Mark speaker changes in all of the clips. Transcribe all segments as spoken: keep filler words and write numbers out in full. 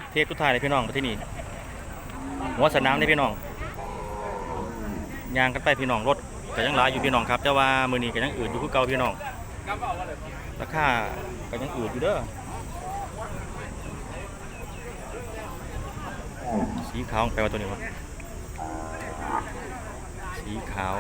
Speaker 1: เทศทุกทายเลยพี่น้องไปที่นี่หัวสนามเลยพี่น้องยางกันไปพี่น้องรถก็ยังหลายอยู่พี่น้องครับแต่ว่ามือนี้ก็ยังอืดอยู่คือเก่าพี่น้องราคาก็ยังอืดอยู่เด้อสีขาวแปลว่าตัวนี้วะสีขาว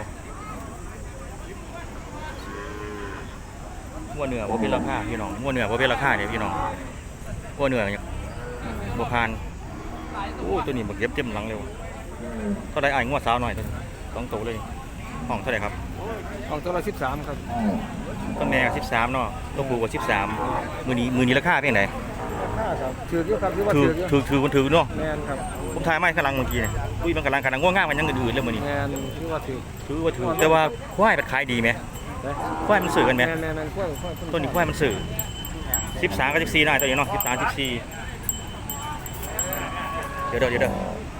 Speaker 1: มัวเหนือว่าเป็นราคาพี่น้องมัวเหนือว่าเป็นราคาเนี่ยพี่น้องมัวเหนือเนี่ยบัวพานโอ้ตัวนี้บักเย็บเต็มหลังเร็วเท่าไรไอ้งวดสาวหน่อยตัวต้องโตเลยห้องเท่าไรครับ
Speaker 2: ห้องตัวละสิบสามครับ
Speaker 1: ต้นแม่สิบสามเนาะตัวปูกับสิบสามมือนี้มือนี้ราคาเป็นไง
Speaker 2: ถือเยอะครับถือว่า
Speaker 1: ถือถือถือมันถือเนาะ
Speaker 2: แมนครับ
Speaker 1: ผมทายไม่กำลังเมื่อกี้เนี่ยอุ้ยมันกำลังกำลังง่วงง่ายมันยังอื่นๆเลยมือนี้
Speaker 2: แมนถือว่าถือ
Speaker 1: ถือว่าถือแต่ว่าควายมันขายดีไหมควายมันสื่อกันไหมต้นนี้ควายมันสื่อสิบสามกับสิบสี่ได้ตัวนี้เนาะสิบสามสิบสี่เดี๋ยวเดี๋ยวเดี๋ยว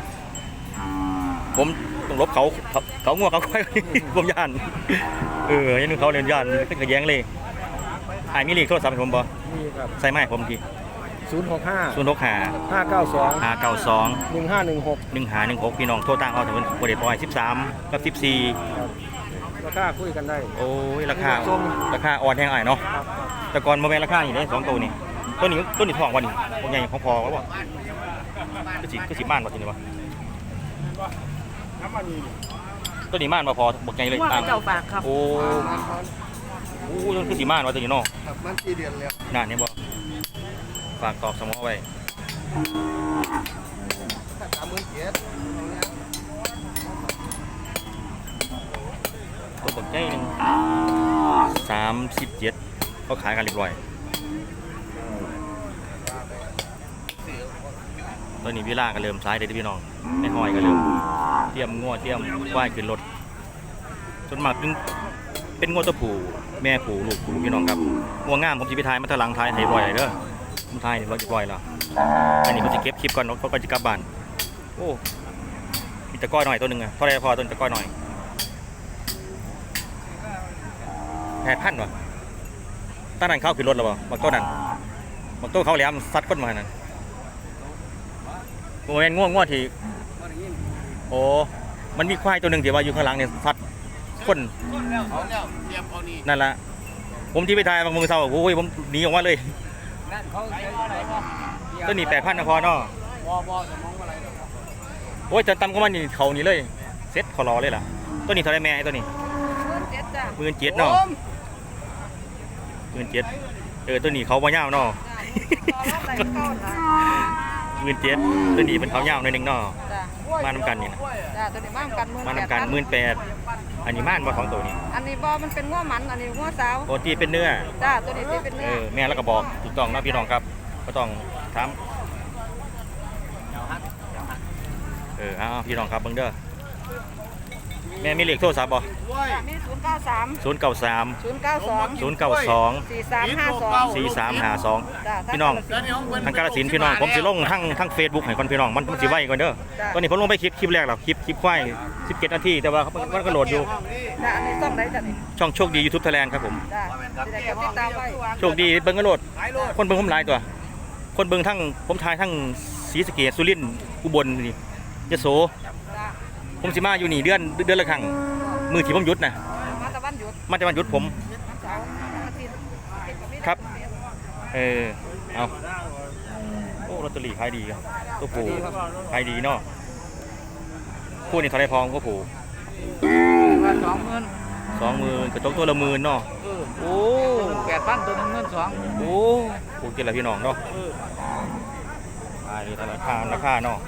Speaker 1: ผมต้องลบเขาเขาง่วงเขาควายผมย่านเออยันเขาเรียนย่านเป็นกระแยงเลยไอ้มีเลขโทรศัพท์ผมบ่
Speaker 2: มีครับ
Speaker 1: ใส่ไม้ผมที
Speaker 2: ศูนย์หกห้า
Speaker 1: ศูนย์หกห้า
Speaker 2: ห้าเก้าสอง
Speaker 1: ห้าเก้าสอง
Speaker 2: หนึ่งห้าหนึ่งหก
Speaker 1: หนึ่งห้าหนึ่งหกพี่น้องโทรตั้งเอาถึงเป็นโมเดลปอยสิบสามกับสิบสี่
Speaker 2: ราคาคุยกันได้
Speaker 1: โอ้ยราคาราคาอ่อนแห้งอ่ะเนาะแต่ก่อนโมเมนต์ราคาอย่างนี้สองตัวนี่ต้นนี้ต้นนี้ทองวันนี้พวกใหญ่ของพอแล้วบ่ก็สิก็สิม่านบ่จริงวะต้นนี้ม่านมาพอบอกใหญ่เลย
Speaker 3: ตามเจ้าฝากครับ
Speaker 1: โอ้โหต้นคือสีม่านว่าตัวนี้เนาะ
Speaker 2: มันกี่เดือนแล้ว
Speaker 1: น่าเนี่ยบ่ฝากตอบสมอไว้
Speaker 2: สามหมื่นเจ็ด
Speaker 1: ตัวบอกใหญ่หนึ่งสามสิบเจ็ดเขาขายกันเรียบร้อยตอนนี้พี่ล่าก็เริ่มซ้ายเด็ดพี่น้องในห้อยก็เริ่มเตรียมงวดเตรียมว่ายขึ้นรถจนมากเป็นงวดตัวผู้แม่ผู้ลูกผู้พี่น้องครับงวงงามผมจะไปทายมาทะลังทายให้บ่อยเด้อผมทายเราจะบ่อยแล้วอันนี้ผมจะเก็บคลิปก่อนเขาก็จะกลับบ้านโอ้มีตะก้อยหน่อยตัวหนึ่งอะเท่าไรพอต้นตะก้อยหน่อยแผ่พันวะตั้งนั้นเข้าขึ้นรถแล้วบ่บักต้นนั้นบักต้นเขาแหลมซัดก้นมานั่นโมเมนง่วงง่วงทีโอ้มันมีควายตัวหนึ่งที่ว่าอยู่ข้างหลังเนี่ยซัดก้นนั่นแหละผมที่ไปทายบางมือเศร้าโอ้ยผมหนีออกมาเลยตัวนี้แปดพันนะพอเนาะโอ้ยจะตำก็มันนี่เขานี่เลยเซ็ตเขารอเลยล่ะตัวนี้เท่าไรแม่ตัวนี้หมื่นเจ็ดเนาะหมื่นเจ็ดเออตัวนี้เขาบ่ยาวเนาะหมื่นเจ็ดตัวนี้เป็นเขายาวหน่อยนึงเนาะมานำกันนี่นะ
Speaker 3: ตัวนี้มานำกัน
Speaker 1: มานำกันหมื่นแปดอันนี้ม่านบ่ของตัวนี้
Speaker 3: อันนี้บ่มันเป็นง้อมันอันนี้ง้อสาว
Speaker 1: ตัวที่เป็นเนื้อ
Speaker 3: จ้าตัวนี้ที่เป็นเนื้อ
Speaker 1: แม่แล้วก็บอกถูกต้องนะพี่น้องครับก็ต้องถามเอออ้าวพี่น้องครับเบิ่งเด้อแม่มีเลขโทรศัพท์บ่
Speaker 3: มีศูนย์เก้าสาม
Speaker 1: ศูนย์เก้าสาม
Speaker 3: ศูนย์เก้าสอง
Speaker 1: ศูนย์เก้าสอง
Speaker 3: สี่สามห้าสอง
Speaker 1: สี่สามห้าสองพี่น้องทางกาฬสินธุ์พี่น้องผมสิลงทั้งทั้งเฟซบุ๊กให้ก่อนพี่น้องมันมันสิไวก่อนเด้อตอนนี้ผมลงไปคลิปคลิปแรกแล้วคลิปคลิปควายสิบเจ็ดนาทีแต่ว่ามันก็โหลดอยู่
Speaker 3: อันนี้ต้องได้จ้ะนี่
Speaker 1: ช่องโชคดี YouTube Thailand ครับผมโชคดีเบิ่งก็โหลดคนเบิ่งผมหลายตัวคนเบิ่งทั้งผมทายทั้งศรีสะเกษสุรินทร์อุบลนี่ยโสผมสิมาอยู่นี่เดือนเดือนละครั้งมือที่ผมหยุดนะ
Speaker 3: มาตะวันหยุด
Speaker 1: มาตะวันหยุดผมครับเออเอาโอ้ลอตเตอรี่ขายดีครับตัวผูขายดีเนาะคู่นี้เท่าไรพองก็ผู
Speaker 3: สองหมื่น
Speaker 1: สองหมื่นกระจกตัวละหมื่นเนาะโอ้
Speaker 3: แปดพันตัวนึงเงินสอง
Speaker 1: โอ้โหเกินละพี่น้องเนาะขายดีราคาราคาเนาะ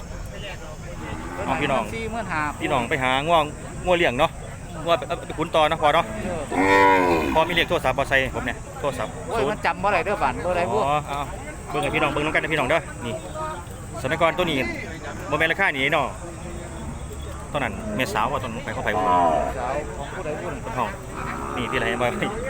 Speaker 1: พี่น้องพี่น้องไปหาง่วงง่วงเลี้ยงเนาะง่วงไปขุนต่อนะพอเนาะพอมีเรียกโทรศัพท์บอไซผมเนี่ยโทรศัพท์
Speaker 3: โอ้ยมันจำว่าอะไรเด้อบันว่าอะไรพวก
Speaker 1: อ๋อเบิ่งให้พี่น้องเบิ่งน้องกันนะพี่น้องเด้อนี่สนกรตัวนี้โมเมนต์ราคานี้เนาะตอนนั้นเมษาวว่าตอนไปเข้าไปบุญต้นทองนี่ที่ไรมา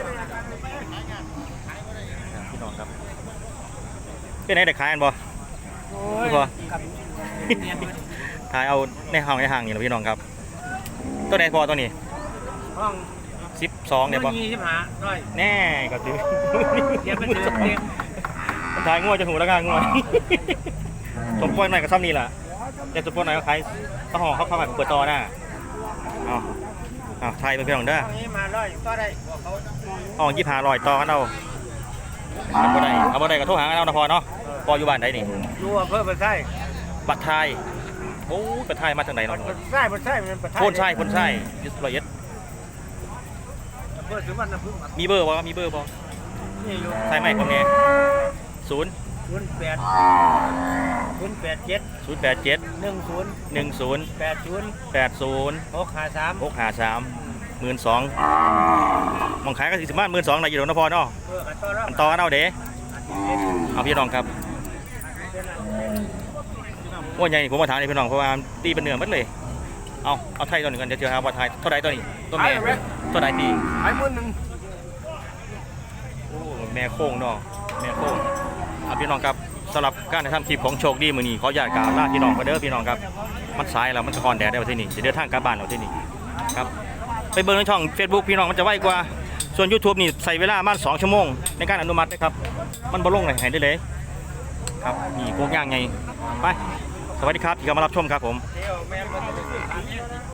Speaker 1: พี่น้องครับเป็นไงเด็กขายกันบ่พี่พอถ่ายเอาในห้างในห้างนี่นะพี่น้องครับตัวไหนพอตัวนี้
Speaker 2: ห้อง
Speaker 1: สิบสองเนี่ยป่ะแน่ก็ถือถ่ายง่วจะหูแล้วกันง่วสมปล่อยหน่อยกับซ้ำนี่แหละแต่สมปล่อยหน่อยก็ขายข้าวห่อข้าวข้าวผัดเปิดต่อหน้าเอาเอาไทยเป็นพี่น้องเด้อ
Speaker 2: นี้มาร้อยก็ได้เขา
Speaker 1: ห้องยี่ห้าร้อยต่อกันเอาเอาบ่ได้เอาบ่ได้ก็โทรหากันเอานะพอเนาะพออยู่บ้านไหนนี่
Speaker 2: รู้ว่าเพิ่มเป็นไส้
Speaker 1: บัตรไทยโอ้บัตรไทยมาจากไหนเนาะ
Speaker 2: มันไส้มันไส้มันเป็น
Speaker 1: โพ่นไส้โพ่นไส้ยุทธละเอียด
Speaker 2: เพิ่มถึงวันน้ำพึ่ง
Speaker 1: มีเบอร์บ่มีเบอร์บ่
Speaker 2: นี่อยู่
Speaker 1: ไทยใหม่ผมเนี่ยศูนย์
Speaker 2: ศูนย์แปดศูนย์แปดเจ็ด
Speaker 1: ศูนย์แปดเจ็ด
Speaker 2: หนึ่งศูนย์
Speaker 1: หนึ่งศูนย์
Speaker 2: แปดศูนย์
Speaker 1: แปดศูนย์
Speaker 2: หกห้าสาม
Speaker 1: หกห้าสามหมื่นสองมองขายก็สี่สิบบ้านหมื่นสองในอยู่หรอกนะพอเนาะ
Speaker 2: เพื่อกันต้อนรับ
Speaker 1: อันต่อกันเอาเด้เอาพี่น้องครับว่าใหญ่ผมมาถามนี่พี่น้องเพราะว่าตีเป็นเนื้อหมัดเลยเอาเอาไทยตัวหนึ่งกันเดี๋ยวเจอหาว่าไทยเท่าไรตัวนี้ตัวแม่เท่าไรตี
Speaker 2: ขายหมื่นหนึ่ง
Speaker 1: โอ้แม่โค้งเนาะแม่โค้งเอาพี่น้องครับสำหรับการทำคลิปของโชคดีมือนี้ขออยากกล่าวลาพี่น้องกันเด้อพี่น้องครับมันสายแล้วมันสะคอนแดดได้วันที่นี่จะเดินทางกลับบ้านเราที่นี่ครับไปเบิ่งในช่อง Facebook พี่น้องมันจะไวกว่าส่วน YouTube นี่ใส่เวลาประมาณสองชั่วโมงในการอนุมัตินะครับมันบ่ลงเลยให้ได้เลยครับนี่โกกย่างไงไปสวัสดีครับที่เข้ามารับชมครับผม
Speaker 2: เดี๋ยวแม่